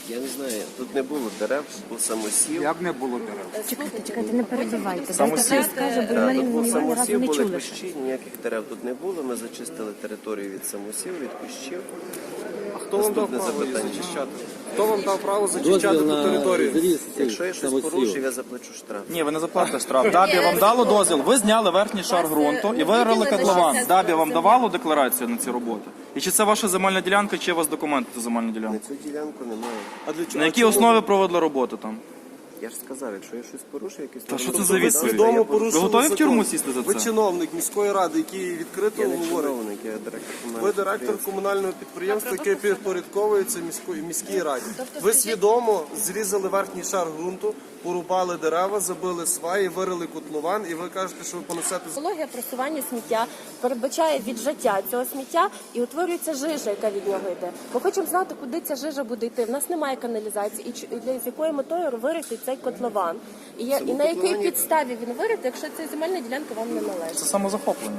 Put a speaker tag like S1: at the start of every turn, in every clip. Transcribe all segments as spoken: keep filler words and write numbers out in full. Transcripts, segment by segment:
S1: Я не знаю, тут не було дерев, був самосів.
S2: Як не було дерев?
S3: Чекайте, чекайте, не перебивайте.
S2: Самосів.
S3: Дайте скаже, бо
S1: Так,
S3: ми
S1: тут був
S3: ні разу
S1: самосів,
S3: не
S1: були
S3: чули.
S1: кущі, ніяких дерев тут не було. Ми зачистили територію від самосів, від кущів.
S4: А хто вам дав
S1: Наступне
S4: право її
S1: запитання.
S4: зачищати? Хто вам дав право зачищати
S5: Дозвіл
S4: ту
S5: на
S4: територію?
S5: зріз
S1: Якщо я щось
S5: самосів.
S1: порушив, я заплачу штраф.
S2: Ні, ви не заплатите штраф. Дабі вам дало дозвіл, ви зняли верхній шар ґрунту і вирили котлован. Дабі вам давало декларацію на ці роботи? І чи це ваша земельна ділянка, чи є у вас документи на земельну
S1: На
S2: ділянку?
S1: цю ділянку немає.
S4: А для чого?
S2: На якій основі проводили роботу там?
S1: Я ж сказав, якщо я щось порушив, якісь
S2: Та що це
S1: нормативні
S2: за
S1: акти,
S2: відповідь?
S1: я
S4: Свідомо
S1: порушив.
S4: порушили
S2: Ви готові в
S4: закон.
S2: тюрму сісти за
S4: Ви
S2: це?
S4: чиновник міської ради, який відкрито
S1: Я не
S4: говорить.
S1: чиновник, я директор комунального
S4: Ви директор
S1: підприємства.
S4: комунального підприємства, яке підпорядковується міської міській раді. Ви свідомо зрізали верхній шар ґрунту, порубали дерева, забили сваї, вирили котлован, і ви кажете, що ви понесете з-
S6: Екологія просування сміття передбачає віджаття цього сміття і утворюється жижа, яка від нього йде. Ми хочемо знати, куди ця жижа буде йти. В нас немає каналізації, і чи- і для з якою метою вирити цей котлован. І, я, і на якій
S1: котловані-
S6: підставі він вирити, якщо ця земельна ділянка вам не належить.
S2: Це самозахоплення.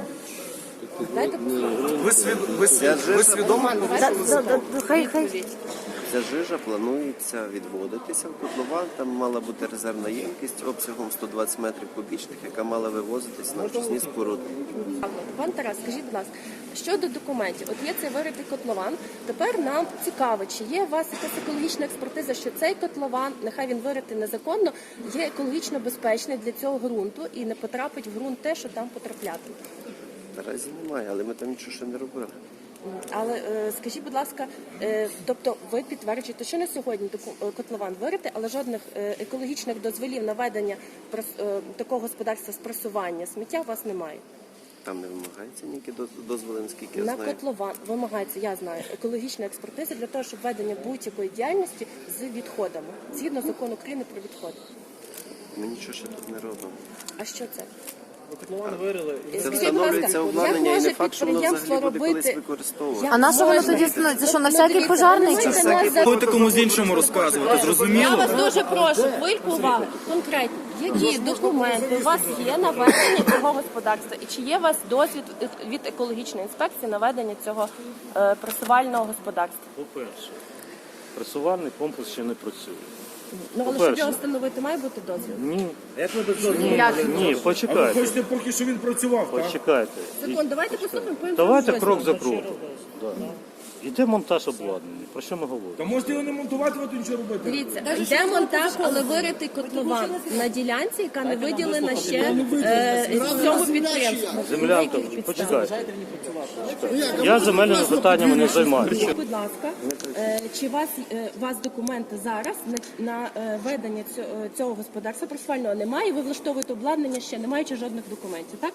S6: Дайте
S4: ви, свід... ви, свід...
S1: Я
S4: ви
S1: жижа-
S4: свідомо
S6: Да-
S4: порушили
S6: да-
S4: закон.
S6: да- хай хай.
S1: Ця жижа планується відводитися в котлован. Там мала бути резервна ємкість обсягом сто двадцять метрів кубічних, яка мала вивозитись на очисні споруди.
S6: Пан Тарас, скажіть, будь ласка, щодо документів, от є цей виритий котлован. Тепер нам цікаво, чи є у вас якась екологічна експертиза, що цей котлован, нехай він виритий незаконно, є екологічно безпечний для цього ґрунту і не потрапить в ґрунт те, що там потраплятиме.
S1: Наразі немає, але ми там нічого ще не робили.
S6: Але е, скажіть, будь ласка, е, тобто ви підтверджуєте, що на сьогодні доку- е, котлован вирити, але жодних е, екологічних дозволів на ведення прос- е, такого господарства з пресування сміття у вас немає?
S1: Там не вимагається ніякі доз- дозволи, наскільки я
S6: На
S1: знаю.
S6: котлован вимагається, я знаю, екологічна експертиза для того, щоб ведення будь-якої діяльності з відходами, згідно закону України про відходи.
S1: Ми нічого ще тут не робимо.
S6: А що це?
S1: Це
S6: Скажіть, будь
S1: встановлюється
S6: ласка,
S1: обладнання
S6: як
S1: і не
S6: може
S1: факт, що воно
S6: підприємство
S1: взагалі буде колись
S6: робити-
S1: використовувати.
S3: А на що воно
S6: Можна.
S3: тоді становиться? Це що, на
S6: Ну,
S3: всякий
S6: дивіться,
S3: пожарний
S6: ви
S3: чи
S6: можете
S3: що?
S6: нас за-
S2: Будете комусь іншому розказувати,
S6: Я
S2: зрозуміло?
S6: вас дуже прошу, хвильку уваги. Конкретно, які документи у вас є на ведення цього господарства? І чи є у вас досвід від екологічної інспекції на ведення цього е, пресувального господарства?
S7: По-перше, пресувальний комплекс ще не працює.
S6: Ну, але щоб
S7: По-перше.
S6: його встановити, має бути дозвіл.
S7: Ні,
S3: Як?
S7: ні, почекайте,
S8: Хочете поки що він працював, так?
S7: почекайте.
S6: Закон, давайте послухаємо, потім
S7: Давайте
S6: дозвіл.
S7: крок за кроком. Да. Йде монтаж обладнання. Про що ми говоримо?
S8: Та можете його не монтувати, ви нічого робити.
S6: Дивіться, йде монтаж, але виритий котлован на ділянці, яка не виділена ще е, цьому підприємству.
S7: Землянка,
S6: На яких підставах?
S7: почекайте. Почекайте. Я земельними питаннями не займаюся.
S6: Скажіть, будь ласка, е, чи у вас, е, у вас документи зараз на, на е, ведення цього, цього господарства пресувального немає? Ви влаштовуєте обладнання ще, не маючи жодних документів, так?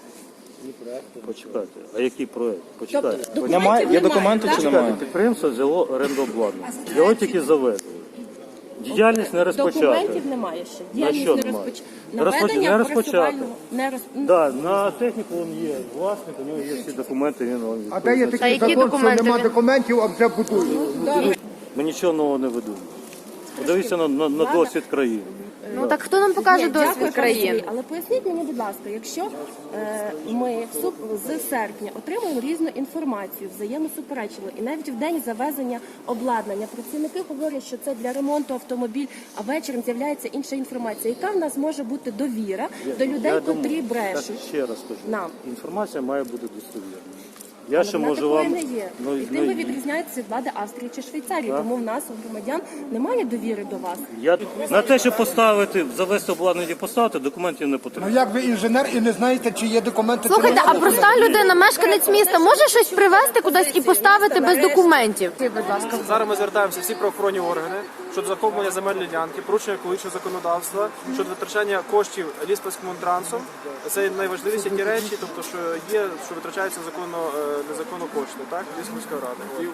S7: Почекайте. А який проект? Почекайте.
S6: Тобто документів
S2: Немає? Є документи
S6: так?
S2: чи немає?
S7: Підприємство взяло оренду обладнання. Його тільки завезли. Діяльність не розпочата.
S6: Документів немає ще. Діяльність
S7: що
S6: не
S7: немає?
S6: розпоч...
S7: Розпоч-
S6: Наведення
S7: не розпочато.
S6: пресувального не роз...
S7: Да, на техніку він є власник, у нього є всі документи, він вам
S2: А де є
S7: відповідає.
S2: такий
S3: які
S2: закон, що
S3: документи
S2: нема
S3: він-
S2: документів, а вже будують?
S7: Ми нічого нового не видумуємо. Подивіться на, на, на досвід країни.
S3: Ну так хто нам покаже
S6: Ні, дякую,
S3: досвід
S6: пане
S3: країн?
S6: Сергій, але поясніть мені, будь ласка, якщо е, ми в суп, з серпня отримуємо різну інформацію, взаємосуперечливу, і навіть в день завезення обладнання працівники говорять, що це для ремонту автомобіль, а вечором з'являється інша інформація. Яка в нас може бути довіра до людей,
S7: Я
S6: котрі
S7: думаю,
S6: брешуть?
S7: так, ще раз кажу,
S6: Нам.
S7: інформація має бути достовірною. Я
S6: Але
S7: ще
S6: вона
S7: можу
S6: такої
S7: вам...
S6: не є.
S7: Ну,
S6: І
S7: ну,
S6: тим ви відрізняєтеся від влади Австрії чи Швейцарії,
S7: Так.
S6: тому в нас, у громадян, немає довіри до вас.
S7: я... На те, щоб поставити, завести обладнання і поставити, документів не
S2: Ну
S7: потрібно.
S2: як ви інженер і не знаєте, чи є документи?
S3: Слухайте, а проста людина, мешканець міста, може щось привезти кудись і поставити без документів? Будь ласка.
S4: Зараз ми звертаємося всі правоохоронні органи щодо захоплення земельної ділянки, порушення екологічного законодавства, щодо витрачання коштів ліспецькомунтрансом. Це найважливіші ті речі, тобто що є, що витрачаються законно, е, незаконно кошти, так, Ліспецької ради. І,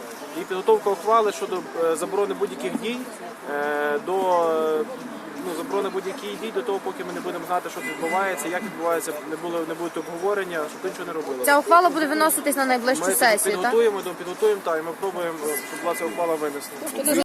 S4: і підготовка ухвали щодо е, заборони будь-яких дій е, до е, ну, заборони будь-яких дій до того, поки ми не будемо знати, що відбувається, як відбувається, не було не будуть обговорення, щоб нічого не робили.
S3: Ця ухвала буде виноситись на найближчу
S4: Ми
S3: сесію, так?
S4: підготуємо, підготуємо та і ми пробуємо, щоб була ця ухвала винесена.